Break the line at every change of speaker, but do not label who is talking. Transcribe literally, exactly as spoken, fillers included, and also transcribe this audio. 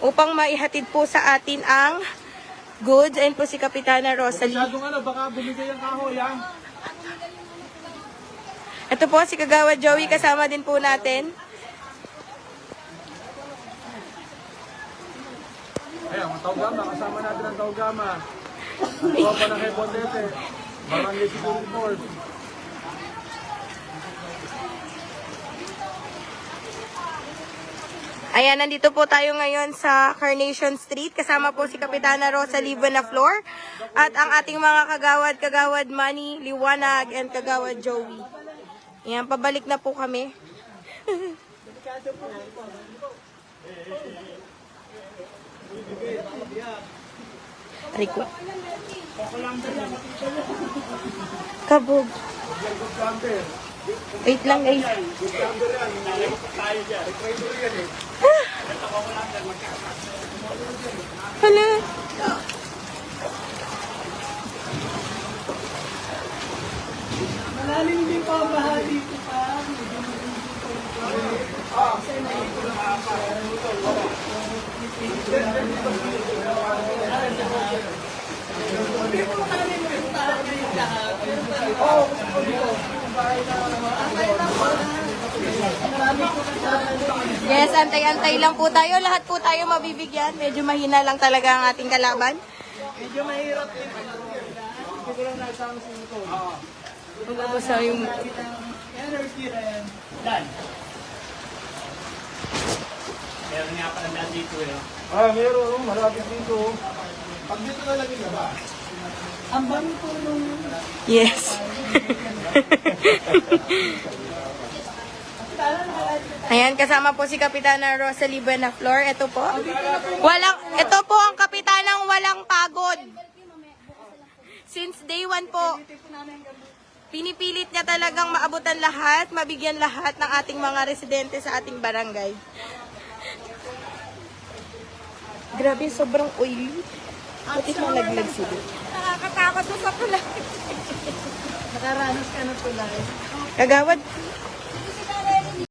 upang maihatid po sa atin ang goods. Ayun po si Kapitana Rosalie.
Masyadong ano, baka bumigay ang kahoy, ha?
Ito po si Kagawad Joey, kasama din po natin.
Ayan, ang Taugama, kasama natin ang Taugama. Ang tropa ng Hebondete, Barangay Security Force.
Ayan, nandito po tayo ngayon sa Carnation Street. Kasama po si Kapitana Rosalie Buenaflor at ang ating mga kagawad, Kagawad Manny, Liwanag, and Kagawad Joey. Ayan, pabalik na po kami. Rico. Kabog. Wait lang guys. Hala.
Malalim din pa ang baha dito pa.
Yes, antay-antay lang po tayo. Lahat po tayo mabibigyan. Medyo mahina lang talaga ang ating kalaban.
Medyo mahirap din. Hindi ko lang nasama sa ito.
Magbabasa yung...
Energy rin. Dan. Meron nga pala daan dito eh.
Ah, meron, oh, malapit dito. Pag dito na lang yung ba?
Ang bami po nung...
Yes. Ayan, kasama po si Kapitana Rosalie Buenaflor. Ito po. Walang, ito po ang kapitanang walang pagod. Since day one po, pinipilit niya talagang maabutan lahat, mabigyan lahat ng ating mga residente sa ating barangay. Grabe, sobrang oily. Buti na laglag sila.
Nakakatakot sa tulay. Nakaranas ka ng tulay.
Kagawad,